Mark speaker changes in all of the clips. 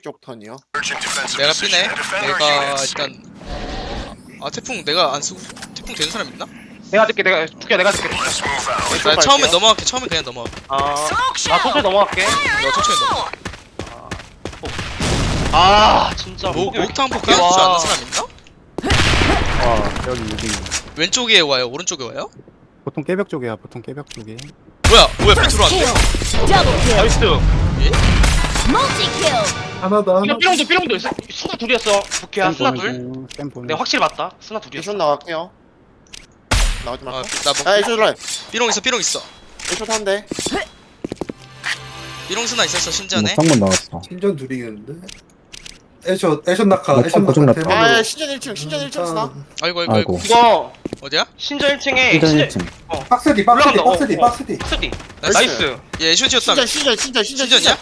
Speaker 1: 쪽 턴이요.
Speaker 2: 내가 B네. 내가 일단 태풍 내가 안 쓰고 태풍 되는 사람 있나?
Speaker 3: 내가 줄게 내가 두개 내가 줄게.
Speaker 2: 나 처음에 넘어갈게. 처음에 그냥 넘어갈게.
Speaker 3: 나 천천히 넘어갈게.
Speaker 2: 내가 천천히 넘어.
Speaker 3: 진짜
Speaker 2: 목탕 포크 할줄 아는 사람 있나?
Speaker 4: 여기
Speaker 2: 왼쪽에 와요? 오른쪽에 와요?
Speaker 4: 보통 깨벽 쪽이야. 보통 깨벽 쪽에.
Speaker 2: 뭐야 B 들어왔는데?
Speaker 3: 나이스.
Speaker 4: 하나다.
Speaker 3: 삐롱도 스나 둘이었어. 부캐야 스나 둘.
Speaker 4: 쌤 보는.
Speaker 3: 내가 확실히 맞다. 스나 둘이었어.
Speaker 1: 애쇼 나갈게요. 나오지 말까?
Speaker 2: 나
Speaker 1: 애쇼 라인.
Speaker 2: 삐롱 있어.
Speaker 1: 애쇼 탄대.
Speaker 2: 삐롱 스나 있었어 신전에.
Speaker 5: 창문 나왔어.
Speaker 6: 신전 둘이겠는데? 애쇼 낙하
Speaker 5: 낙하, 고정 낙하.
Speaker 1: 아 신전 1층 신전 1층 쓰나?
Speaker 2: 아이고.
Speaker 3: 이거
Speaker 2: 어디야?
Speaker 3: 신전 1층에
Speaker 5: 일단 1층.
Speaker 6: 박스디
Speaker 3: 올라간다.
Speaker 6: 박스디
Speaker 3: 스디.
Speaker 1: 나이스.
Speaker 3: 나이스.
Speaker 2: 얘 애쇼지였다며. 신전이야?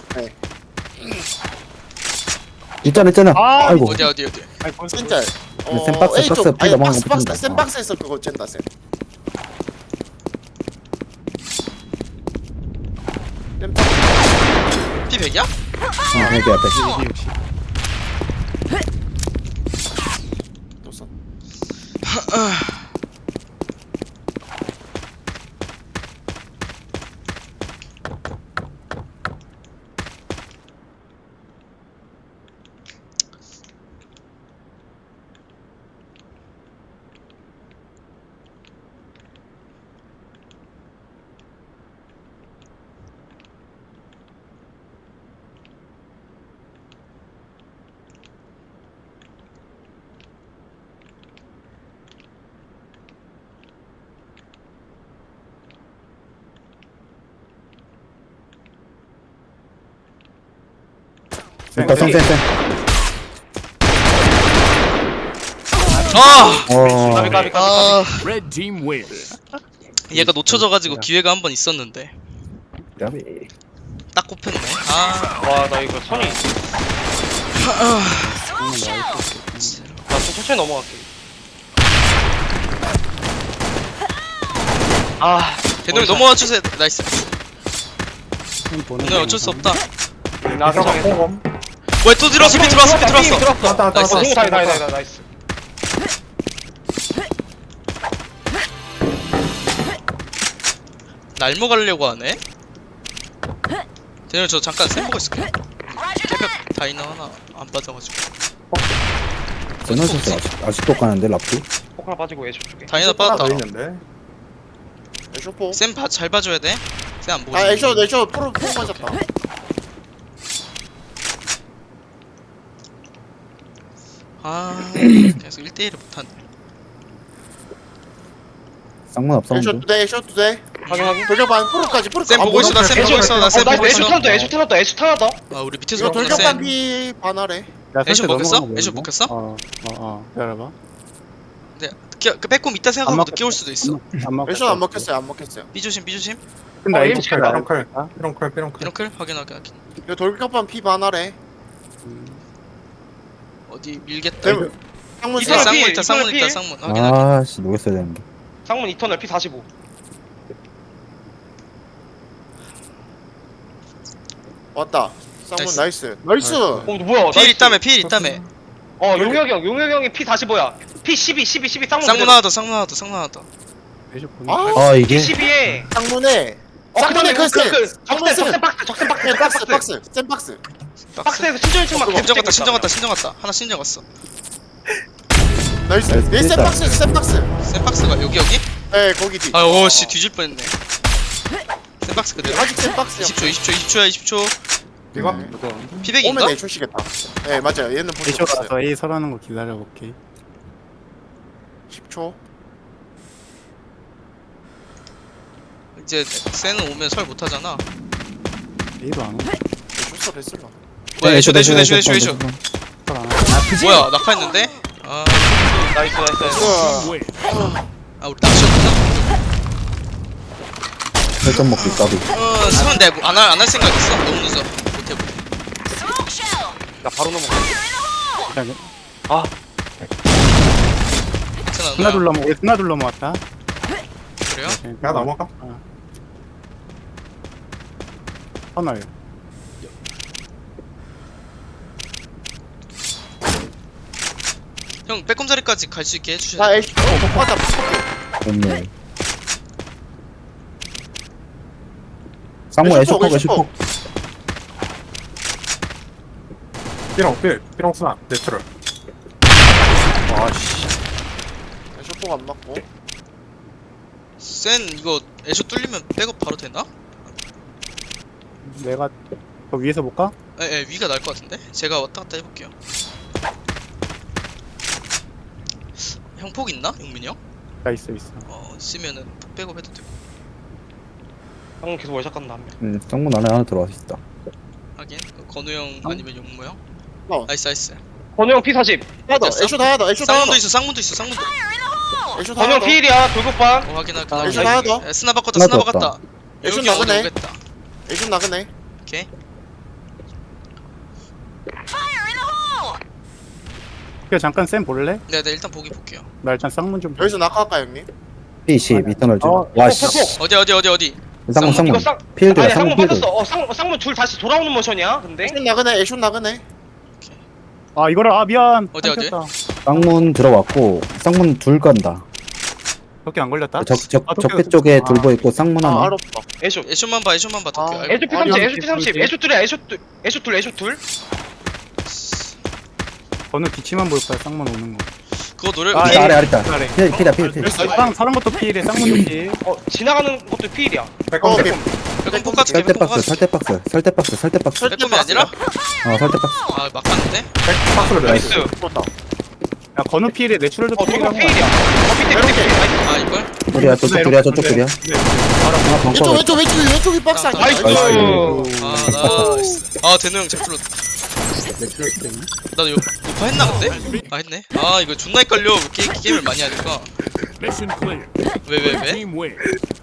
Speaker 5: 있잖아.
Speaker 3: 아,
Speaker 5: 아이고.
Speaker 2: 어디야?
Speaker 1: 진짜.
Speaker 5: 쌤 박스,
Speaker 1: A쪽.
Speaker 5: 박스,
Speaker 1: 아니
Speaker 5: 넘어간 거
Speaker 1: 박스
Speaker 5: 붙인다.
Speaker 1: 쌤 박스에서 그거 쨘다 쌤.
Speaker 2: P 100이야?
Speaker 5: 여기 앞에.
Speaker 1: 또 써.
Speaker 5: 일단 쌤.
Speaker 3: 까비.
Speaker 7: Red team win.
Speaker 2: 얘가 놓쳐져가지고 기회가 한 번 있었는데
Speaker 5: 야비.
Speaker 2: 딱 꼽혔네.
Speaker 3: 와, 나 이거 손이. 나좀 천천히 넘어갈게.
Speaker 2: 대동이 넘어와 주세요. 나이스.
Speaker 4: 쌤 보는.
Speaker 2: 오늘 어쩔 수 없다.
Speaker 3: 나 괜찮겠어.
Speaker 2: 뭐야 또 들어왔어. B 들어왔어.
Speaker 6: 왔다
Speaker 2: 나이스.
Speaker 3: 나이스.
Speaker 2: 날모 가려고 하네. 대동이 저 잠깐 샘 보고 있을게. 깨벽 다이너 하나 안 빠져가지고.
Speaker 5: 제너시스 아직도 가는데 랍도.
Speaker 3: 포크나 빠지고 애쇼 쪽에.
Speaker 2: 다이너
Speaker 6: 하나
Speaker 2: 빠졌다.
Speaker 6: 더 있는데?
Speaker 1: 애쇼 포.
Speaker 2: 쌤 잘 봐줘야 돼. 쌤 안 보고.
Speaker 1: 아
Speaker 2: 있어.
Speaker 1: 애쇼 프로 맞았다.
Speaker 2: 계속 1대1을 못하네.
Speaker 5: 쌍문 앞
Speaker 1: 애쇼
Speaker 5: 사운드.
Speaker 1: 두대 애쇼 두대.
Speaker 3: 확인.
Speaker 1: 돌격반 프로까지.
Speaker 2: 쌤 보고 있어. 나쌤 보고 있어. 나쌤 보고
Speaker 3: 애쇼
Speaker 2: 있어.
Speaker 3: 타났다. 애쇼 타났다.
Speaker 2: 우리 밑에서
Speaker 1: 이거
Speaker 2: 보는
Speaker 1: 돌격반
Speaker 2: 쌤.
Speaker 1: 피 반하래.
Speaker 2: 애쇼 먹였어? 애쇼 먹혔어?
Speaker 4: 기다려봐.
Speaker 2: 그 빼꼼 있다 생각하고
Speaker 4: 안
Speaker 2: 늦게 올 수도 있어.
Speaker 1: 애쇼 안 먹혔어요 안 먹혔어요.
Speaker 2: B 조심.
Speaker 4: 근데
Speaker 3: 일
Speaker 4: 이거
Speaker 3: 층
Speaker 4: 칼.
Speaker 6: 삐롱클
Speaker 2: 이런클 확인.
Speaker 1: 이거 돌격반 피 반하래.
Speaker 2: 어디 밀겠다.
Speaker 1: 쌤. 창문
Speaker 3: 이사람
Speaker 1: 쌤.
Speaker 3: 피,
Speaker 2: 쌍문 있다.
Speaker 3: 피.
Speaker 2: 쌍문 확인.
Speaker 5: 아씨 녹였어야 되는데.
Speaker 3: 상문 2턴을 P45.
Speaker 1: 왔다. 쌍문
Speaker 2: 나이스.
Speaker 1: 나이스.
Speaker 3: 뭐야?
Speaker 2: 필 있다며.
Speaker 3: 용혁이 형이 P45야. P12 쌍문.
Speaker 2: 쌍문 하나 더. 쌍문 하나 더.
Speaker 4: 애쇼 보는.
Speaker 1: 아
Speaker 5: 이게
Speaker 3: P12에.
Speaker 1: 쌍문에. 쌍문에 그
Speaker 3: 적센 박스.
Speaker 1: 쌤 박스.
Speaker 3: 박스에서 신전 1층만
Speaker 2: 신정 갔다. 하나 신정 갔어.
Speaker 1: 나이스.
Speaker 5: 나이스.
Speaker 1: 쌤 박스.
Speaker 2: 쌤 박스가 여기?
Speaker 1: 네 거기 뒤.
Speaker 2: 오씨 뒤질 뻔했네. 쌤 박스 그대로.
Speaker 1: 아직 쌤 박스야.
Speaker 2: 20초.
Speaker 6: 이거?
Speaker 1: 오면
Speaker 2: 피백인가?
Speaker 1: 애쇼시겠다. 네 맞아요. 얘는 볼수
Speaker 4: 애쇼
Speaker 1: 없어요.
Speaker 4: 가서 A 설하는 거 기다려볼게.
Speaker 1: 10초.
Speaker 2: 이제 쌤은 오면 설 못하잖아.
Speaker 4: A도 안 오.
Speaker 1: 애쇼 했을라.
Speaker 2: 뭐야 애쇼.
Speaker 4: 설 안 와.
Speaker 2: 뭐야 낙하했는데?
Speaker 3: 나이스.
Speaker 7: Win.
Speaker 2: 우리 낚시였구나.
Speaker 5: 설정 먹기 까비.
Speaker 2: 수면 내가 안할 생각 있어. 너무 늦어. 못해.
Speaker 3: 나 바로 넘어가.
Speaker 4: 스나 둘러 모았다.
Speaker 2: 그래요?
Speaker 6: 야 넘어가.
Speaker 4: 터널.
Speaker 2: 형 빼꼼 자리까지 갈 수 있게 해주셔야
Speaker 1: 나
Speaker 2: 돼.
Speaker 1: 애쇼 맞다 폭폭
Speaker 5: 없네. 쌍문
Speaker 1: 애쇼 폭,
Speaker 5: 애쇼폭
Speaker 1: 애쇼
Speaker 5: 애쇼폭.
Speaker 6: 삐롱 스나 네트럴.
Speaker 1: 와씨 애쇼 폭안 맞고
Speaker 2: 센 이거 애쇼 뚫리면 백업 바로 되나?
Speaker 4: 내가 더 위에서 볼까?
Speaker 2: 에 위가 나을 것 같은데? 제가 왔다 갔다 해볼게요. 형 폭 있나? 용민이 형?
Speaker 4: 나 있어.
Speaker 2: 있으면은 폭 백업 해도 되고.
Speaker 3: 형 계속 월샷 간다 한 명.
Speaker 5: 쌍문 안에 하나 들어와 있다.
Speaker 2: 하긴 건우 형 아니면 용무 형?
Speaker 1: 어.
Speaker 2: 나이스.
Speaker 3: 건우 형 P40.
Speaker 1: 하나
Speaker 2: 됐어?
Speaker 1: 애쇼 다 하나 애쇼 다 하나
Speaker 2: 쌍문도 있어.
Speaker 1: 애쇼 다
Speaker 3: 건우 형
Speaker 1: 하나
Speaker 3: 필이야 돌격반.
Speaker 2: 확인할게.
Speaker 1: 애쇼 하나 더
Speaker 2: 스나 바꿨다.
Speaker 5: 하나
Speaker 2: 스나
Speaker 5: 더
Speaker 2: 바꿨다.
Speaker 1: 애쇼
Speaker 2: 여기 어디
Speaker 1: 나가네.
Speaker 2: 오겠다.
Speaker 1: 애쇼 나가네
Speaker 2: 오케이.
Speaker 4: 그냥 잠깐 쌤 볼래?
Speaker 2: 네 일단 보기 볼게요.
Speaker 4: 나 일단 쌍문 좀.
Speaker 1: 여기서 낙하할까 형님?
Speaker 5: P10 이터널 즈
Speaker 4: 어,
Speaker 5: 와씨.
Speaker 2: 어디.
Speaker 5: 쌍문
Speaker 3: 이거
Speaker 5: 쌍문.
Speaker 3: 쌍.
Speaker 5: 필드야
Speaker 3: 아니
Speaker 5: 쌍문
Speaker 3: 쌍문
Speaker 5: 필드.
Speaker 3: 빠졌어. 쌍문 둘 다시 돌아오는 모션이야. 근데.
Speaker 1: 애쇼 나가네 애쇼 나가네
Speaker 4: 아 이거를 미안.
Speaker 2: 어디?
Speaker 4: 안
Speaker 5: 쌍문 들어왔고 쌍문 둘 간다.
Speaker 4: 그렇게 안 걸렸다.
Speaker 5: 적배 쪽에 둘 보이고 쌍문
Speaker 1: 아
Speaker 5: 하나.
Speaker 1: 알았다
Speaker 3: 애쇼.
Speaker 2: 애쇼만 봐 도쿄.
Speaker 1: 아,
Speaker 2: 아이고.
Speaker 3: 애쇼 P30.
Speaker 4: 어디
Speaker 3: 애쇼 P30. 애쇼 둘이야. 애쇼 둘.
Speaker 4: 번호 뒤치만 볼 거야. 쌍문 오는 거.
Speaker 2: 그거 노래
Speaker 4: 아,
Speaker 2: 피-
Speaker 5: 아래 있다.
Speaker 4: 아래.
Speaker 5: 필이다 필.
Speaker 4: 쌍 사람 것도 필에 쌍문도 필.
Speaker 3: 지나가는 것도 필이야.
Speaker 1: 어 오케이
Speaker 2: 백홈 폭까지
Speaker 5: 설대
Speaker 2: 백홈
Speaker 5: 박스
Speaker 2: 폭까지.
Speaker 5: 설대 박스.
Speaker 2: 백홈이 아니라?
Speaker 5: 설대 박스.
Speaker 2: 아 막 갔는데?
Speaker 6: 박스를
Speaker 3: 나이스.
Speaker 1: 죽었다
Speaker 4: 야 건우 필에 내추럴도
Speaker 3: 돌격
Speaker 4: 필이라고.
Speaker 3: 필이야. 밑에. 나이스.
Speaker 2: 아 이걸?
Speaker 5: 둘이야 저쪽 둘이야 저쪽 둘이야. 하나 벙커.
Speaker 1: 왼쪽이 박스 아니야
Speaker 3: 나이스.
Speaker 2: 아 나이스. 아 대노 형잘 풀었다. 나도 녹화 했나 근데? 아 했네. 아 이거 존나 헷갈려. 게임을 많이 하니까.
Speaker 7: Mission clear.
Speaker 2: 왜?
Speaker 7: Red team win.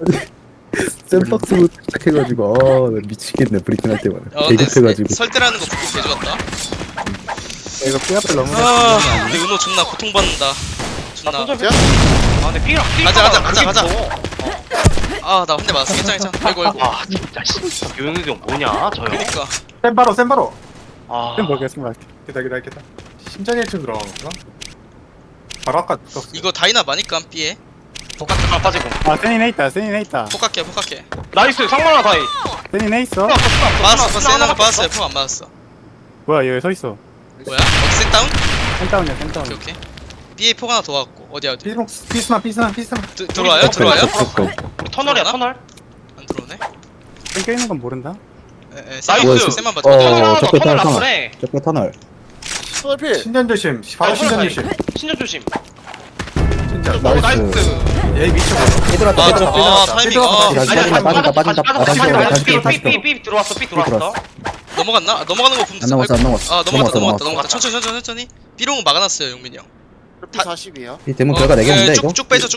Speaker 5: 샌박스로 시작해가지고 나 미치겠네 브리핑 할 때마다.
Speaker 2: 근데
Speaker 5: 대급해가지고.
Speaker 2: 설대라는 거 듣고 개 좋았다.
Speaker 4: 이거 삐 앞을 너무.
Speaker 2: 아 근데 은호 존나 고통받는다. 존나.
Speaker 3: 손절. 아 근데 필이랑
Speaker 2: 가자. 아 나 한 대 맞았어. 괜찮아. 아이고.
Speaker 3: 아 진짜 씨. 요영이 형 뭐냐 저 형.
Speaker 2: 그니까.
Speaker 6: 센바로.
Speaker 3: 아.
Speaker 4: 쌤 보겠습니다.
Speaker 6: 기다. 심장이 1층 들어가는 건가? 바로 아까 떴어.
Speaker 2: 이거 다이나 마니까 삐에.
Speaker 3: 아 빠지고.
Speaker 4: 아 센이네 있다.
Speaker 2: 폭각해.
Speaker 3: 나이스 상만아 다이.
Speaker 4: 센이네 있어.
Speaker 2: 맞았어. 세는 거 맞았어요. 폭 안 맞았어.
Speaker 4: 뭐야 얘 서 있어.
Speaker 2: 뭐야? 어디 센다운?
Speaker 4: 센다운이야 센다운.
Speaker 2: 오케이. B에 폭 하나 더 왔고 어디야?
Speaker 6: 피스나.
Speaker 2: 들어와요?
Speaker 3: 우리 터널이야 터널.
Speaker 2: 안 들어오네.
Speaker 4: 쌤 껴있는 건 모른다.
Speaker 3: 나이스.
Speaker 2: 쌤만 봐줘.
Speaker 5: 적배
Speaker 3: 터널
Speaker 5: 터널.
Speaker 3: 나쁘네.
Speaker 5: 적배 터널.
Speaker 1: 소울필
Speaker 6: 신전 조심. 바로 신전 조심.
Speaker 3: 신전 조심.
Speaker 6: 진짜.
Speaker 3: 나이스.
Speaker 6: 얘 미쳐버려.
Speaker 5: 삐들었다
Speaker 2: 아
Speaker 5: 삐들었다.
Speaker 2: 타이밍.
Speaker 3: 삐 들어왔어.
Speaker 2: 넘어갔나? 넘어가는 거 보면
Speaker 5: 안 넘어갔어 안 넘어갔어.
Speaker 2: 아 넘어갔다. 천천히. B롱 막아놨어요 용민이 형.
Speaker 1: 피 40이야
Speaker 5: 이 대문 결과 내겠는데 이거?
Speaker 2: 쭉 빼줘.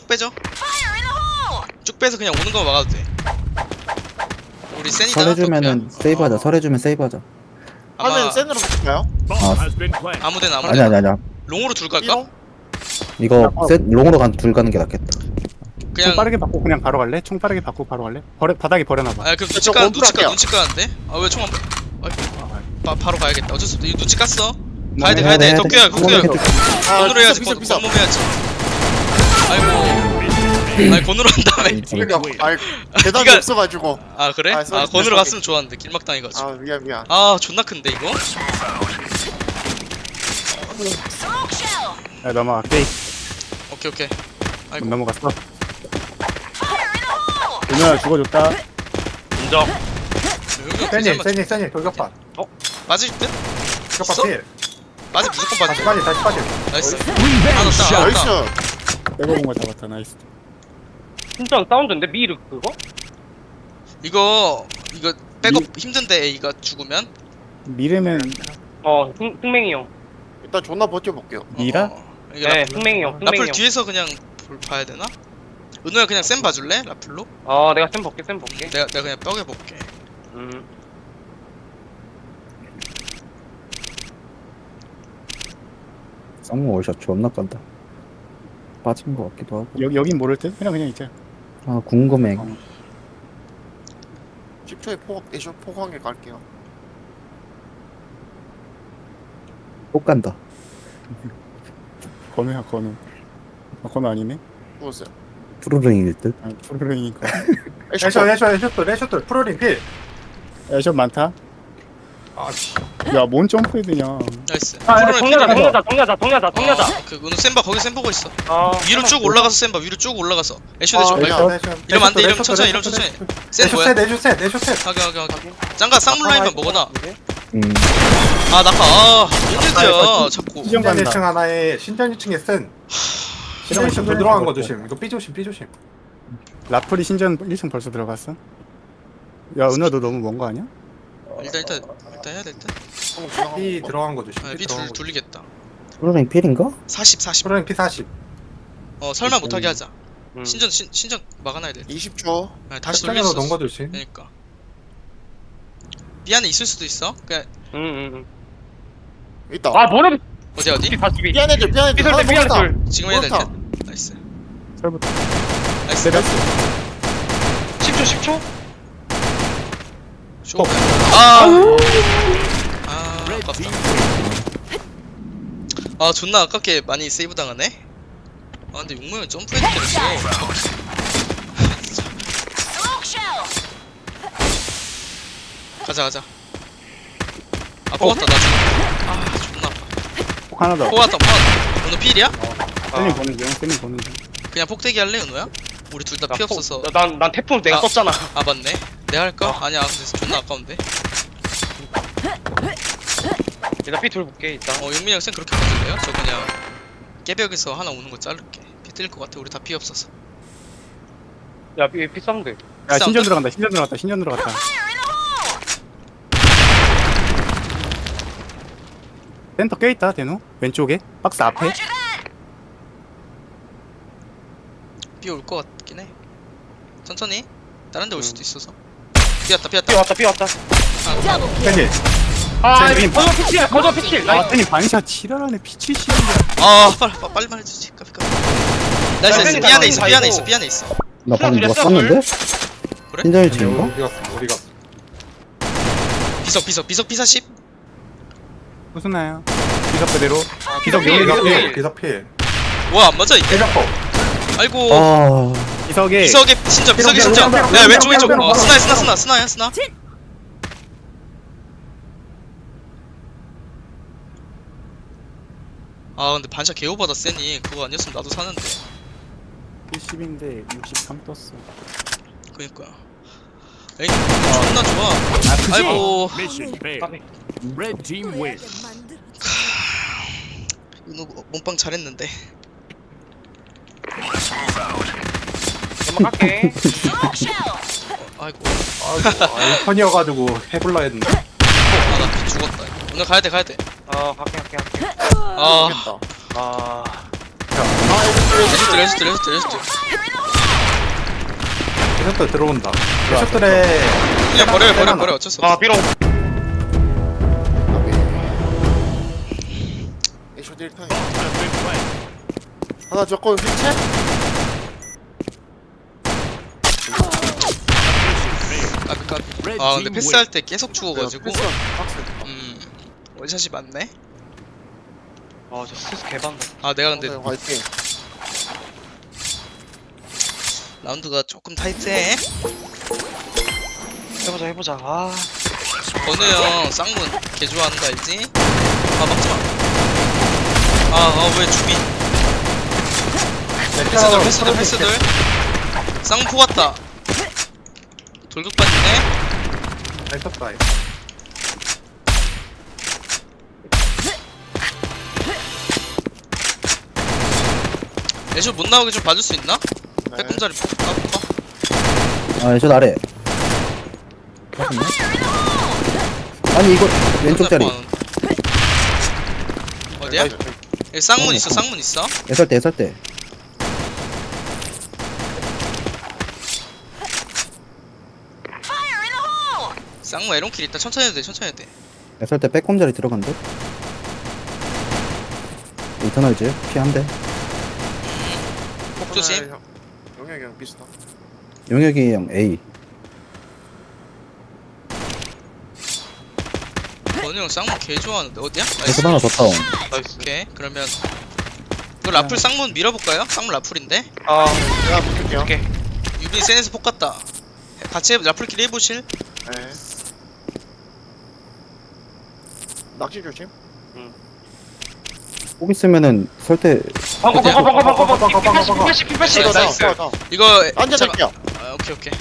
Speaker 2: 쭉 빼서 그냥 오는 거 막아도 돼. 우리 센이다.
Speaker 5: 설해주면은 세이브하자. 설해주면 세이브하자.
Speaker 2: 아마
Speaker 1: 하면 센으로 붙을까요?
Speaker 7: Bomb has been planted.
Speaker 2: 아무데나.
Speaker 5: 아니야.
Speaker 2: 롱으로 둘 갈까?
Speaker 1: 삐롱?
Speaker 5: 이거 롱으로 둘 가는 게 낫겠다.
Speaker 4: 총
Speaker 2: 그냥.
Speaker 4: 빠르게 받고 그냥 바로 갈래? 총 빠르게 받고 바로 갈래? 바닥에 버려놔봐.
Speaker 2: 아 그럼
Speaker 1: 저 원풀 할게요.
Speaker 2: 눈치 까는데? 아 왜 총 안? 바로 가야겠다. 어쩔 수 없다. 이거 눈치 깠어. 가야
Speaker 5: 해야
Speaker 2: 돼.
Speaker 5: 돼.
Speaker 2: 덕규야.
Speaker 1: 아
Speaker 2: 건으로 해야지.
Speaker 1: 비싸
Speaker 2: 건으로 해야지. 아이고. 아니 건으로 한 다음에.
Speaker 1: 그러니까 아이 대답이
Speaker 2: 네가-
Speaker 1: 없어가지고
Speaker 2: 아 그래?
Speaker 1: 아,
Speaker 2: 아
Speaker 1: 쏘리,
Speaker 2: 건으로
Speaker 1: 쏘리.
Speaker 2: 갔으면 좋았는데 길막 당해가지고.
Speaker 1: 아 미안
Speaker 2: 아 존나 큰데 이거?
Speaker 4: 야 넘어갈게.
Speaker 2: 오케이. 아이고.
Speaker 4: 넘어갔어. 누나 죽어줬다.
Speaker 3: 인정.
Speaker 6: 세니 돌격반.
Speaker 2: 맞을 듯?
Speaker 6: 돌격반 필.
Speaker 2: 맞을 무조건
Speaker 6: 다시
Speaker 2: 맞을.
Speaker 6: 빠지.
Speaker 2: 나이스.
Speaker 7: Revenge shot.
Speaker 1: 나이스
Speaker 4: 빼고 본거 잡았다. 나이스.
Speaker 3: 진짜 사운드인데 미르 그거?
Speaker 2: 이거 백업 힘든데 A가 죽으면?
Speaker 4: 미르면
Speaker 3: 흥맹이 형.
Speaker 1: 일단 존나 버텨볼게요
Speaker 4: 미라?
Speaker 2: 이게
Speaker 3: 네 흥맹이 형. 흥맹이
Speaker 2: 라플
Speaker 3: 형.
Speaker 2: 뒤에서 그냥 봐야 되나? 은호야 그냥 쌤 봐줄래? 라플로?
Speaker 3: 내가 쌤 볼게.
Speaker 2: 내가 그냥 뼈게 볼게.
Speaker 5: 쌍문 월샷 존나 깐다. 빠진 거 같기도 하고.
Speaker 4: 여긴 모를 듯? 그냥 있자.
Speaker 5: 아 궁금해.
Speaker 1: 10초에 애쇼 포항에 갈게요
Speaker 5: 못 간다.
Speaker 4: 건우야 건우. 건우 아니네?
Speaker 1: 누구세요?
Speaker 5: 푸르릉일 듯.
Speaker 4: 아, 프로링이니까.
Speaker 6: 애쇼 프로링 필.
Speaker 4: 애션 많다.
Speaker 6: 아씨.
Speaker 4: 야, 뭔 점프헤드냐.
Speaker 2: 나이스.
Speaker 3: 아,
Speaker 2: 프로는
Speaker 3: 동야자.
Speaker 2: 그 은우 센바 거기 센 보고 있어.
Speaker 3: 아,
Speaker 2: 위로 쭉 올라가서 센바 위로 쭉 올라가서. 애쇼
Speaker 1: 아,
Speaker 2: 대쇼.
Speaker 1: 네.
Speaker 2: 이러면 안 돼. 이러면 천천히. 센
Speaker 6: 애쇼
Speaker 2: 뭐야?
Speaker 6: 셋 애쇼 셋 애쇼 셋.
Speaker 2: 하게. 짱가 쌍문 라인만 먹어놔. 아 낙하. 뭔데야 자꾸.
Speaker 4: 시정
Speaker 6: 신전
Speaker 4: 간다.
Speaker 6: 1층 하나에 신전 2층에 센. 신전 1층 더 들어간 거 조심. 이거 삐 조심.
Speaker 4: 라플이 신전 1층 벌써 들어갔어? 야, 은하 너 너무 먼 거 아니야?
Speaker 2: 일단 해야 될 듯.
Speaker 6: 삐 들어간 거 조심.
Speaker 2: 아,
Speaker 6: 삐
Speaker 2: 비
Speaker 6: 들어간 거.
Speaker 2: 돌리겠다.
Speaker 5: 푸르릉 필인가?
Speaker 2: 40.
Speaker 6: 프로링 피 40.
Speaker 2: 설마 못하게 하자.
Speaker 3: 음.
Speaker 2: 신전 막아놔야 돼.
Speaker 1: 20초.
Speaker 2: 아, 다시 돌릴
Speaker 6: 짝짝이로
Speaker 2: 수
Speaker 6: 넣은
Speaker 2: 있어.
Speaker 6: 거 조심.
Speaker 2: 그러니까. 삐 안에 있을 수도 있어. 그냥
Speaker 1: 있다.
Speaker 3: 아, 뭐래?
Speaker 2: 어디?
Speaker 3: 비
Speaker 1: 삐안해들
Speaker 3: 삐설 때
Speaker 1: 하나
Speaker 3: 삐설.
Speaker 2: 지금 해야 될
Speaker 1: 그렇다.
Speaker 2: 듯. 나이스.
Speaker 4: 설부터.
Speaker 2: 나이스.
Speaker 4: 내렸어.
Speaker 3: 10초.
Speaker 2: 쇼. 아, 아깝다. 아, 존나 아깝게 많이 세이브 당하네. 아, 근데 용모형 점프해도 때렸어. 가자. 아, 뽑았다, 나 지금. 아, 존나 아파.
Speaker 4: 폭 하나 더.
Speaker 2: 뽑았다. 오늘 필이야?
Speaker 4: 쌤이 보는 중, 쌤이 보는 중.
Speaker 2: 그냥 폭대기 할래, 은호야? 우리 둘 다 피 없어서.
Speaker 3: 난 태풍 내가
Speaker 2: 아.
Speaker 3: 썼잖아.
Speaker 2: 아, 맞네. 내가 할까? 아니야, 근데 존나 아까운데.
Speaker 3: 일단 삐 돌볼게 일단.
Speaker 2: 용민이 형 쌤 그렇게 봐줄래요? 저 그냥 깨벽에서 하나 오는 거 자를게. 피 뜰 것 같아. 우리 다 피 없어서.
Speaker 3: 야, 삐 쌌는데.
Speaker 4: 야, 신전
Speaker 2: 사운드?
Speaker 4: 들어간다. 신전 들어갔다. 센터 껴있다, 대노. 왼쪽에. 박스 앞에.
Speaker 2: 비 올 것 같긴 해. 천천히. 다른 데 올 수도 있어서.
Speaker 3: 삐
Speaker 2: 피었다.
Speaker 3: 왔다.
Speaker 6: 팬이.
Speaker 3: 아,
Speaker 4: 쌤이
Speaker 3: 거저 피칠.
Speaker 4: 아, 쌤이 반샷 지랄하네. P70.
Speaker 2: 아, 빨리 말해주지. 까비. 나이스.
Speaker 3: 쌤이
Speaker 2: 삐 안에 있어.
Speaker 3: 다
Speaker 5: 나 방금 누가
Speaker 3: 둘이었어,
Speaker 5: 쐈는데?
Speaker 2: 그래?
Speaker 5: 신전 1층인가?
Speaker 6: 어디 갔어?
Speaker 2: 비석 P40.
Speaker 4: 무슨나요? 비석 그대로. 비석
Speaker 3: 삐,
Speaker 4: 여기
Speaker 3: 삐.
Speaker 4: 있어.
Speaker 6: 기사 필.
Speaker 2: 와, 안 맞아, 이게.
Speaker 6: 대작법.
Speaker 2: 아이고.
Speaker 5: 아,
Speaker 4: 비석에.
Speaker 2: 비석에 신전.
Speaker 6: 삐롱,
Speaker 2: 야, 왼쪽.
Speaker 6: 삐롱.
Speaker 2: 스나야. 아, 근데 반샷 개오바다 세니. 그거 아니었으면 나도 사는데.
Speaker 4: 70인데 63 떴어.
Speaker 2: 그니까. 에이, 존나 좋아.
Speaker 4: 아, 그지?
Speaker 2: 아이고.
Speaker 7: Mission failed. Red team win.
Speaker 2: 은호 몸빵 잘했는데.
Speaker 3: 연막 할게.
Speaker 2: 아이고.
Speaker 6: 아이폰이어가지고 해볼라 했는데.
Speaker 2: 나 죽었다. 오늘 가야 돼.
Speaker 3: 갈게.
Speaker 2: 아,
Speaker 1: 모르겠다.
Speaker 3: 아,
Speaker 2: 레스트.
Speaker 6: 애쇼들 들어온다. 애쇼들에
Speaker 2: 그냥 버려. 어쩔 수 없어.
Speaker 3: 아, 삐롱.
Speaker 1: 애쇼 1타.
Speaker 7: Has been planted.
Speaker 1: 하나 적고 휘체?
Speaker 2: 까비.
Speaker 7: Red
Speaker 2: 아, 근데
Speaker 7: team
Speaker 2: 패스할
Speaker 7: win.
Speaker 2: 때 계속 죽어가지고.
Speaker 1: 박스.
Speaker 2: 원샷이 맞네.
Speaker 3: 아, 저 스트레스 개반다.
Speaker 2: 아, 내가 근데
Speaker 1: 화이팅.
Speaker 2: 라운드가 조금 타이트해.
Speaker 3: 해보자. 아,
Speaker 2: 건우 형 쌍문 개 좋아하는 거 알지? 아, 막지마. 왜 주비? 패스들. 쌍문 포 같다. 돌격 빠지네.
Speaker 6: 애쇼다.
Speaker 2: 애쇼 못 나오게 좀 봐줄 수 있나?
Speaker 1: 네.
Speaker 2: 빼꼼자리 까볼까?
Speaker 5: 아, 저 아래. 맞았나? 아니, 이거 왼쪽 자리.
Speaker 2: 어디야? 여기 쌍문 있어.
Speaker 5: 애설 때.
Speaker 2: 쌍문 에론킬 있다. 천천히 해도 돼.
Speaker 5: 애설 때 빼꼼 자리 들어간대. 이터널즈 피 한 대.
Speaker 2: 폭 조심.
Speaker 1: 영역이랑 비슷하.
Speaker 5: 용혁이 형 A.
Speaker 2: 건우 형 쌍문 개 좋아하는데 어디야?
Speaker 5: 애설 하나 더 다운.
Speaker 3: 나이스.
Speaker 2: 오케이. 그러면 이거 라플 쌍문 밀어볼까요? 쌍문 라플인데
Speaker 1: 내가 붙을게요.
Speaker 3: 오케이.
Speaker 2: 유빈이 센에서 폭 갔다. 같이 라플끼리 해보실?
Speaker 1: 네. 낚시 조심.
Speaker 5: 꼭 있으면은 설때
Speaker 3: 방금 피80
Speaker 1: 이거
Speaker 3: 나이스.
Speaker 1: 나.
Speaker 2: 이거
Speaker 1: 앉아줄게요.
Speaker 2: 아, 오케이 오케이.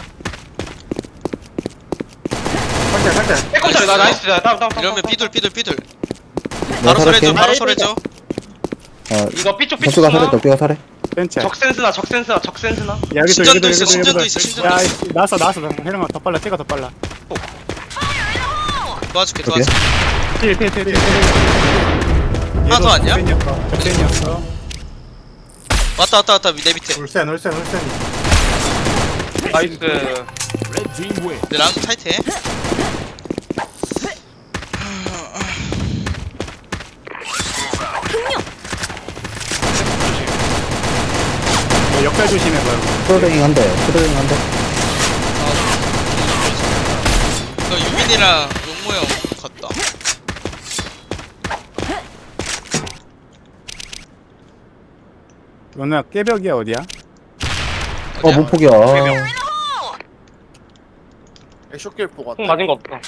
Speaker 6: 살짝.
Speaker 3: 백컴퓨터 나 나이스. 다운.
Speaker 2: 이러면 삐둘.
Speaker 5: 내가
Speaker 2: 바로 설해줘.
Speaker 5: 살할게.
Speaker 2: 바로 설해줘.
Speaker 3: 이거 삐쪽
Speaker 5: 덕규가 살해
Speaker 3: 나
Speaker 5: 덕규가 살해.
Speaker 4: 센치.
Speaker 3: 적센스나.
Speaker 4: 야, 여기도
Speaker 2: 신전도
Speaker 4: 여기도
Speaker 2: 있어,
Speaker 4: 여기도
Speaker 2: 신전도
Speaker 4: 여기도.
Speaker 2: 있어, 신전도
Speaker 4: 야,
Speaker 2: 있어.
Speaker 4: 나왔어. 혜령아 더 빨라. 찍어 더 빨라.
Speaker 2: 도와줄게.
Speaker 5: 오케이.
Speaker 4: 필.
Speaker 2: 하나 더 왔냐?
Speaker 4: 적센이었어.
Speaker 2: 왔다 내 밑에.
Speaker 6: 울센.
Speaker 3: 나이스.
Speaker 7: Red team win.
Speaker 2: 내 라운드 타이트해.
Speaker 4: 역할 조심해봐요.
Speaker 5: 프로랭잉 한대.
Speaker 2: 너 유빈이랑 용모 형 갔다.
Speaker 4: 너네 깨벽이야 어디야?
Speaker 2: 어디야?
Speaker 5: 못 포기야.
Speaker 1: 애쇼길 보고
Speaker 3: 콩
Speaker 1: 왔다.
Speaker 3: 맞은 거 없어.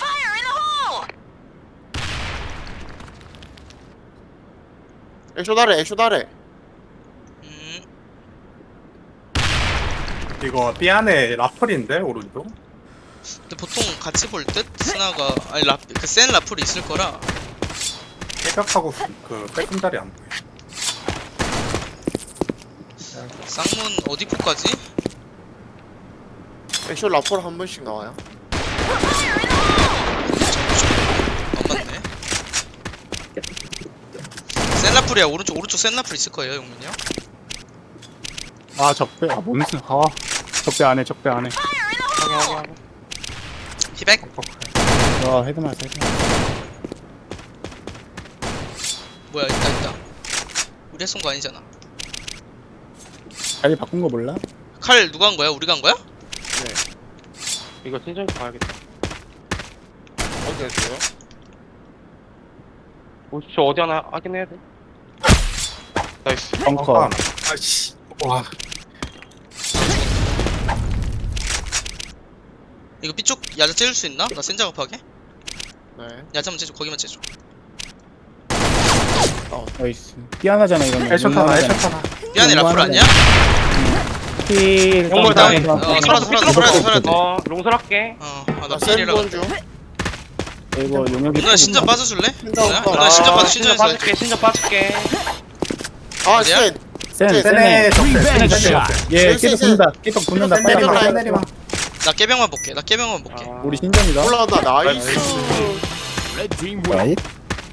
Speaker 1: 애쇼 다래.
Speaker 6: 이거 B 안에 라플인데 오른쪽.
Speaker 2: 근데 보통 같이 볼 듯? 스나가 아니 그센 라플이 있을 거라.
Speaker 6: 깨벽하고 그 빼꼼다리 안 보여.
Speaker 2: 쌍문 어디 포까지?
Speaker 1: 애쇼 라폴 한 번씩 나와요.
Speaker 2: 안 맞네. 센 라플이야. 오른쪽 센 라플 있을 거예요, 용민이 형.
Speaker 4: 아 적배. 뭔슨? 적배 안에.
Speaker 2: 피백.
Speaker 4: 와 헤드 맞아.
Speaker 2: 뭐야 있다. 우리 쏜 거 아니잖아.
Speaker 4: 자리 바꾼 거 몰라?
Speaker 2: 칼 누가 한 거야? 우리가 한 거야?
Speaker 3: 이거 신전 가야겠다.
Speaker 1: 어디 있어요?
Speaker 3: 저 어디 하나 하긴 해야 돼. 나이스.
Speaker 4: 벙커.
Speaker 6: 아씨. 와.
Speaker 2: 이거 B쪽 야자 째줄 수 있나? 나 센 작업하게?
Speaker 1: 네.
Speaker 2: 야자만 째줘. 거기만 째줘.
Speaker 4: 나이스. 미안하잖아 이러면.
Speaker 6: 애쇼 하나.
Speaker 2: 미안해 라플 아니야?
Speaker 4: 필.
Speaker 3: 영물
Speaker 2: 다음에
Speaker 3: 다음에.
Speaker 2: 살아야 돼.
Speaker 3: 롱설 할게.
Speaker 2: 나
Speaker 1: 나
Speaker 2: 필이라
Speaker 1: 센본 중.
Speaker 4: 이거 용역이.
Speaker 2: 누나 신전 빠져줄래? 누나
Speaker 1: 아,
Speaker 2: 신전 빠져. 신전에서
Speaker 3: 신전 빠질게.
Speaker 1: 아
Speaker 2: 어디야?
Speaker 1: 센.
Speaker 6: 센에
Speaker 7: Revenge shot.
Speaker 4: 예,
Speaker 1: 쎄,
Speaker 4: 깨벽
Speaker 1: 쎄.
Speaker 4: 붙는다. 깨벽 붙는다.
Speaker 1: 쎄,
Speaker 4: 빨리
Speaker 1: 쎄,
Speaker 4: 가.
Speaker 1: 쎄.
Speaker 2: 나 깨병만 볼게.
Speaker 4: 우리 신전이다.
Speaker 1: 올라간다. 나이스.
Speaker 7: Red team win.
Speaker 5: 라이.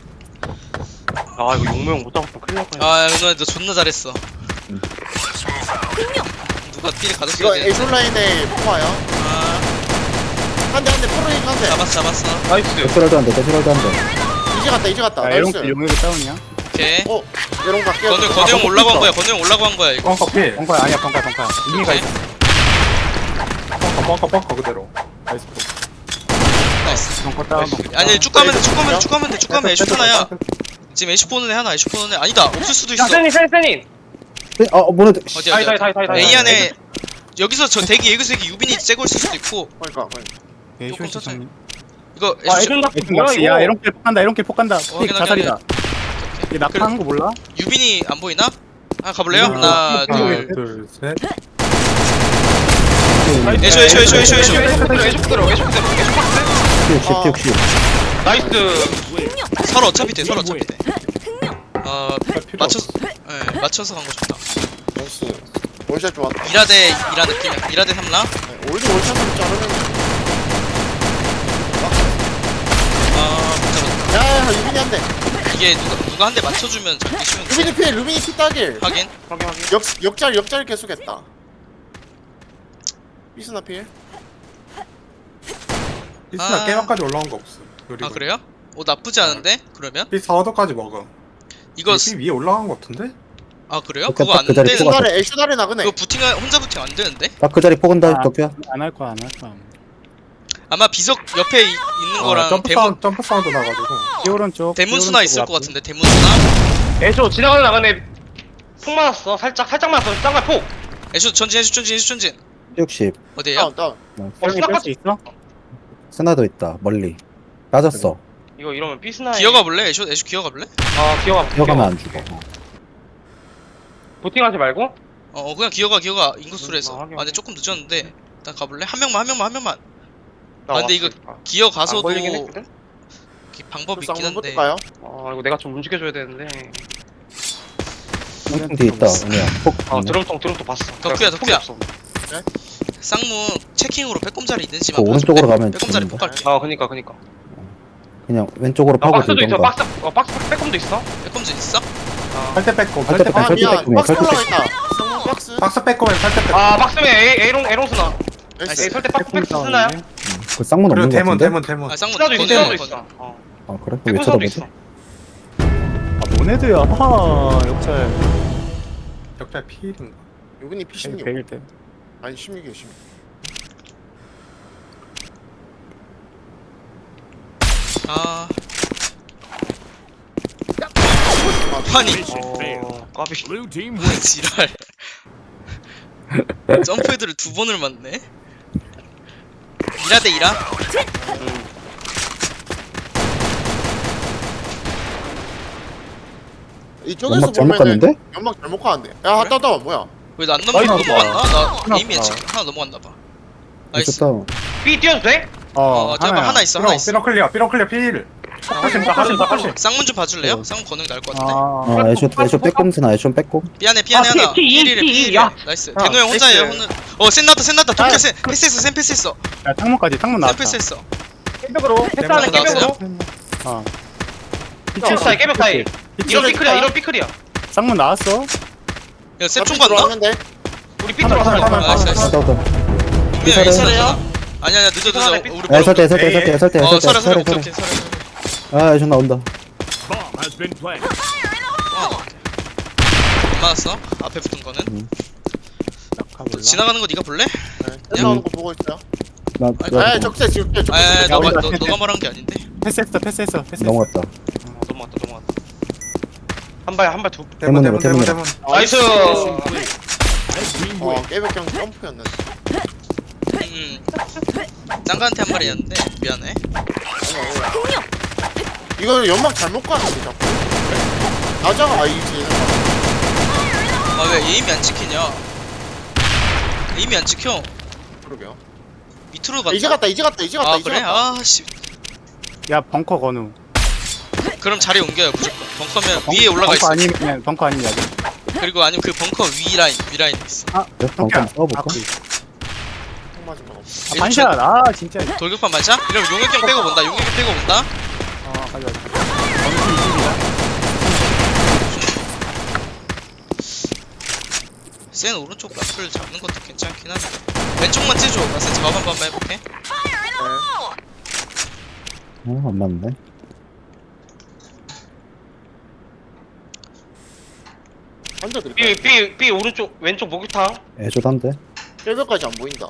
Speaker 3: 아 이거 용모형 못 잡았으면 큰일 날 뻔했네.
Speaker 2: 아 누나 너 존나 잘했어. 누가 필
Speaker 1: 이거
Speaker 2: 가졌어야 돼.
Speaker 1: 애쇼 라인에 포화야.
Speaker 2: 아
Speaker 1: 한대 프로잉 한대.
Speaker 2: 잡았어.
Speaker 3: 나이스.
Speaker 5: 대출할도 안 돼.
Speaker 1: 이제 갔다.
Speaker 4: 야,
Speaker 1: 나이스.
Speaker 4: 용역이 다운이야?
Speaker 2: 오케이.
Speaker 1: 얘롱 갈게요.
Speaker 2: 건우 형 올라고 한 거야. 이거.
Speaker 6: 벙커필.
Speaker 4: 벙커 아니야, 벙커. 의미가
Speaker 2: 오케이.
Speaker 4: 있어.
Speaker 6: 벙커 그대로.
Speaker 4: 나이스.
Speaker 2: 나이스.
Speaker 4: 벙커 다운.
Speaker 2: 아니 쭉 가면 돼. 애쉬 하나야. 지금 애쉬 보는 애 하나. 아니다. 없을 수도 있어.
Speaker 3: 세닌.
Speaker 5: 뭐네.
Speaker 2: 어디야?
Speaker 3: 다이.
Speaker 2: A 안에 여기서 저 대기 유빈이 째고 있을 수도 있고.
Speaker 1: 그러니까.
Speaker 4: 예,
Speaker 2: 조금
Speaker 4: 쇼
Speaker 2: 천천히.
Speaker 4: 시장.
Speaker 2: 이거
Speaker 3: 아
Speaker 2: 애쉬
Speaker 3: 애전 닭
Speaker 4: 에이튼
Speaker 3: 뭐야
Speaker 4: 낚시.
Speaker 3: 이거?
Speaker 4: 야, 에롱길 폭 간다. 픽
Speaker 2: 확인.
Speaker 4: 자살이다. 얘 낙하한 거 몰라?
Speaker 2: 유빈이 안 보이나? 가볼래요?
Speaker 4: 음.
Speaker 2: 하나, 둘.
Speaker 6: 둘, 셋.
Speaker 2: 애쇼.
Speaker 3: 애쇼 그대로.
Speaker 5: 시.
Speaker 3: 나이스.
Speaker 2: 서로 어차피 돼.
Speaker 6: 필요 없어.
Speaker 2: 맞춰서 간 거 좋다.
Speaker 1: 나이스. 월샷 좋았다.
Speaker 2: 이라 느낌이야. 이라 대 3라.
Speaker 1: 올드 월샷으로 자르면.
Speaker 2: 못 잡았다.
Speaker 1: 야, 유빈이 한 대.
Speaker 2: 이게 누가 한 대 맞춰주면 잡기 쉬운데.
Speaker 1: 루빈이 피 따길.
Speaker 2: 하긴.
Speaker 1: 역잘 계속했다. 비스나 필.
Speaker 6: 비스나
Speaker 2: 아.
Speaker 6: 깨벽까지 올라온 거 없어.
Speaker 2: 아 그래요? 나쁘지 않은데? 그러면?
Speaker 6: B 4호도까지 먹음.
Speaker 2: 이거
Speaker 6: B 위에 올라간 거 같은데?
Speaker 2: 아 그래요?
Speaker 5: 오케이,
Speaker 2: 그거 안
Speaker 5: 그 자리
Speaker 2: 되는
Speaker 5: 뽑아.
Speaker 1: 애쇼다래 나그네.
Speaker 2: 그거 혼자 부팅 안 되는데?
Speaker 5: 딱 그 자리 포근다
Speaker 4: 아.
Speaker 5: 덕규야.
Speaker 4: 안 할 거야.
Speaker 2: 아마 비석 옆에 있는 거랑
Speaker 6: 점프 사운드 나가지고.
Speaker 4: 키 오른쪽.
Speaker 2: 대문수나 있을 것 같은데. 대문수나?
Speaker 3: 애쇼 지나가는 나가네. 폭 맞았어. 살짝 맞았어. 쌍발 폭.
Speaker 2: 애쇼 전진 애쇼 전진
Speaker 5: 60.
Speaker 2: 어디에요?
Speaker 1: 다운.
Speaker 4: 형이 뺄수 있어?
Speaker 5: 스나도 있다. 멀리. 빠졌어.
Speaker 3: 이거 이러면 삐스나.
Speaker 2: 기어가 볼래? 애쇼 기어가 볼래?
Speaker 3: 기어가.
Speaker 5: 뛰어가면 안 죽어.
Speaker 3: 보팅하지 말고.
Speaker 2: 그냥 기어가 인코스로 해서.
Speaker 3: 확인,
Speaker 2: 아 근데 조금 늦었는데 일단 가볼래? 한 명만
Speaker 3: 나
Speaker 2: 근데 이거 기어
Speaker 3: 안
Speaker 2: 가서도
Speaker 3: 걸리긴 했거든.
Speaker 2: 방법이 있긴
Speaker 1: 쌍문
Speaker 2: 한데
Speaker 1: 붙을까요?
Speaker 3: 이거 내가 좀 움직여줘야 되는데.
Speaker 5: 쌍통 뒤에 있다. 은혜야. 폭.
Speaker 3: 드럼통 봤어.
Speaker 2: 덕후야,
Speaker 3: 폭이
Speaker 2: 덕후야.
Speaker 3: 없어.
Speaker 2: 쌍문 체킹으로 빼꼼자리 있는지만
Speaker 5: 그 오른쪽으로
Speaker 2: 봐줄래?
Speaker 5: 가면
Speaker 2: 빼꼼자리
Speaker 5: 죽는다.
Speaker 2: 폭 갈게.
Speaker 3: 그니까.
Speaker 5: 그냥 왼쪽으로 파고
Speaker 3: 박스도 있어.
Speaker 5: 들던가.
Speaker 3: 박스 빼꼼도 있어.
Speaker 2: 빼꼼진 있어?
Speaker 6: 살때 뺏고
Speaker 5: 살때 뺏고.
Speaker 1: 아 미안.
Speaker 5: 설득
Speaker 1: 박스
Speaker 5: 설득.
Speaker 1: 올라가 있다. 쌍문 박스.
Speaker 6: 박스 뺏고면 살때 뺏고.
Speaker 3: 박스면 에롱 스나.
Speaker 1: 나이스.
Speaker 3: 에이 설때 박스 스나야.
Speaker 5: 그 쌍문
Speaker 6: 그리고
Speaker 5: 없는 거 같은데?
Speaker 6: 대문.
Speaker 2: 아 쌍문
Speaker 3: 스나도 있어.
Speaker 2: 거는
Speaker 3: 스나도 있어.
Speaker 5: 아 그래? 왜
Speaker 3: 빼꼼 스나도
Speaker 5: 쳐다보지?
Speaker 3: 있어.
Speaker 4: 아 모네드야. 역잘.
Speaker 6: 역자 필인가?
Speaker 1: 요근이 P16.
Speaker 4: 100일 때.
Speaker 1: 아니 16이요 16.
Speaker 2: 아 아니
Speaker 7: Mission failed.
Speaker 3: 까비.
Speaker 7: Blue team win.
Speaker 2: 지랄 점프헤드를 2번을 맞네 1화 대 1화?
Speaker 1: 이쪽에서
Speaker 5: 연막 잘못
Speaker 1: 보면은
Speaker 5: 갔는데?
Speaker 1: 연막 잘못 가는데. 야 따따 뭐야?
Speaker 2: 왜 안
Speaker 4: 나이스.
Speaker 2: 넘어갔나? 나 에임이 하나 넘어갔나봐 나이스
Speaker 5: 미쳤다.
Speaker 3: B 뛰어도 돼?
Speaker 2: 잠깐만 하나 있어
Speaker 6: 삐렁 클리어 필. 하신다.
Speaker 2: 쌍문 좀 봐줄래요? 쌍문 거는 게 나을 것 같은데
Speaker 5: 아 애쇼 빼꼼 스나 애쇼 빼꼼.
Speaker 2: 삐안해
Speaker 3: 아,
Speaker 2: 하나
Speaker 3: P2,
Speaker 2: P1이래
Speaker 3: 야.
Speaker 2: 나이스
Speaker 1: 아,
Speaker 2: 대노 형 혼자예요
Speaker 1: 나이스.
Speaker 2: 센 나왔다 도쿄 센 패스했어 센 패스했어
Speaker 4: 야 창문까지 창문
Speaker 2: 센
Speaker 4: 나왔다.
Speaker 2: 패스했어
Speaker 3: 깨벽으로. 패스하는
Speaker 2: 나왔어요?
Speaker 3: 깨벽으로.
Speaker 4: 어.
Speaker 3: 깨벽 사이 깨벽 사이. 이런 삐클이야.
Speaker 4: 창문 나왔어.
Speaker 2: 야셋총 봤나?
Speaker 1: 들어왔는데.
Speaker 3: 우리 삐 들어왔어.
Speaker 6: 하나.
Speaker 2: 나이스 나이스
Speaker 5: 스타우터.
Speaker 2: 분명
Speaker 5: 이사를
Speaker 2: 이사래요? 아니야 늦어 우리
Speaker 5: 애설대
Speaker 2: 설에 오케이
Speaker 5: 아 애쇼 나온다.
Speaker 7: Bomb has been planted.
Speaker 2: 안 맞았어 앞에 붙은 거는
Speaker 4: 가볼라.
Speaker 2: 지나가는 거 네가 볼래?
Speaker 1: 떼 나오는 거 보고 있어요.
Speaker 2: 아,
Speaker 1: 적세 지울게.
Speaker 2: 아
Speaker 4: 야, 우리가
Speaker 2: 너가 말한 게 아닌데
Speaker 4: 패스했어.
Speaker 5: 넘어갔다.
Speaker 3: 넘어갔다. 한발 두.
Speaker 5: 대문으로.
Speaker 3: 나이스.
Speaker 7: Red team win.
Speaker 1: 깨백경 점프였는데.
Speaker 2: 짱가한테 한 말이었는데 미안해
Speaker 1: 이거 연막 잘못 가는데 자꾸. 나자가 아이지.
Speaker 2: 아 왜 에임이 안 찍히냐 에임이 안 찍혀
Speaker 1: 그러게요.
Speaker 2: 밑으로 갔다
Speaker 1: 이제 갔다.
Speaker 2: 아 그래? 아씨
Speaker 4: 야 벙커 건우.
Speaker 2: 그럼 자리 옮겨요 무조건 벙커면 위에 올라가 있어
Speaker 4: 벙커 아니면 야경.
Speaker 2: 그리고 아니면 그 벙커 위 라인 있어
Speaker 5: 방금 써볼까?
Speaker 1: 총 맞은 건 없어.
Speaker 4: 반샷. 아 진짜.
Speaker 2: 돌격판 반샷? 이러면 용역경 빼고 본다
Speaker 4: 가져가.
Speaker 2: 센 오른쪽 라플 잡는 것도 괜찮긴 한데 왼쪽만 째줘 나 센 작업 한 번만 해볼게
Speaker 5: 안 맞네.
Speaker 1: 한대 드릴게요.
Speaker 3: B 오른쪽 왼쪽 목욕탕.
Speaker 5: 애쇼 단데.
Speaker 1: 깨백까지 안 보인다.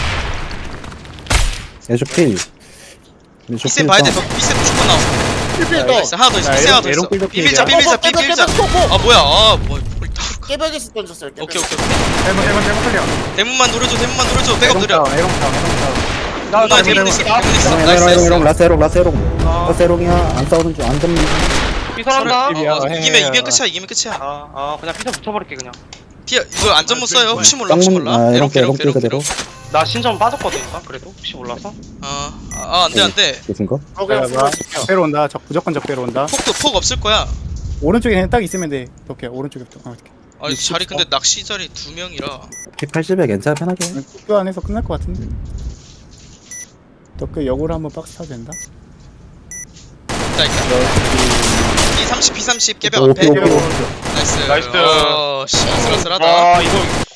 Speaker 5: 애쇼 필. 애쇼
Speaker 2: 비센
Speaker 5: 필
Speaker 2: 봐야 돼
Speaker 5: 다운.
Speaker 2: 비센 무조건 나와
Speaker 1: 필필
Speaker 2: 나이스 하나 더 있어
Speaker 4: 야,
Speaker 2: 비센 하나 더
Speaker 4: 에롱
Speaker 2: 있어
Speaker 4: 삐걱
Speaker 2: 비밀자
Speaker 4: 삐걱이야.
Speaker 2: 비밀자
Speaker 1: 깨백.
Speaker 2: 아 뭐야 아뭐
Speaker 1: 깨백에서 던졌어요. 깨백.
Speaker 2: 오케이
Speaker 6: 대문 클리어.
Speaker 2: 대문만 노려줘 백업 느려
Speaker 4: 에롱타운.
Speaker 2: 누나 대문 있어 나이스
Speaker 5: 에롱 라스 에롱이야. 안 싸우는 중 안 잡는 중.
Speaker 3: 삐설한다.
Speaker 2: 이기면 끝이야
Speaker 3: 그냥 피자 붙여버릴게 그냥.
Speaker 2: 피어 이거 안전 못 써요 혹시 몰라
Speaker 5: 에롱 그대로.
Speaker 3: 나 신전 빠졌거든. 그래도 혹시 몰라서.
Speaker 2: 안돼
Speaker 5: 무슨 거?
Speaker 1: 그냥 풀어줄게요.
Speaker 4: 적배로 온다. 무조건 적배로 온다.
Speaker 2: 폭 없을 거야
Speaker 4: 오른쪽에 그냥 딱 있으면 돼. 오케이 오른쪽에 붙어.
Speaker 2: 아니 자리 근데 낚시 자리 2명이라
Speaker 5: P80에 괜찮아 편하게.
Speaker 4: 국교 안에서 끝날 것 같은데. 덕그 역으로 한번 박스 타도 된다.
Speaker 2: 있다 P30 깨벽 앞에
Speaker 5: 오케이.
Speaker 2: 나이스
Speaker 3: 나이스.
Speaker 2: 아슬아슬하다
Speaker 3: 이거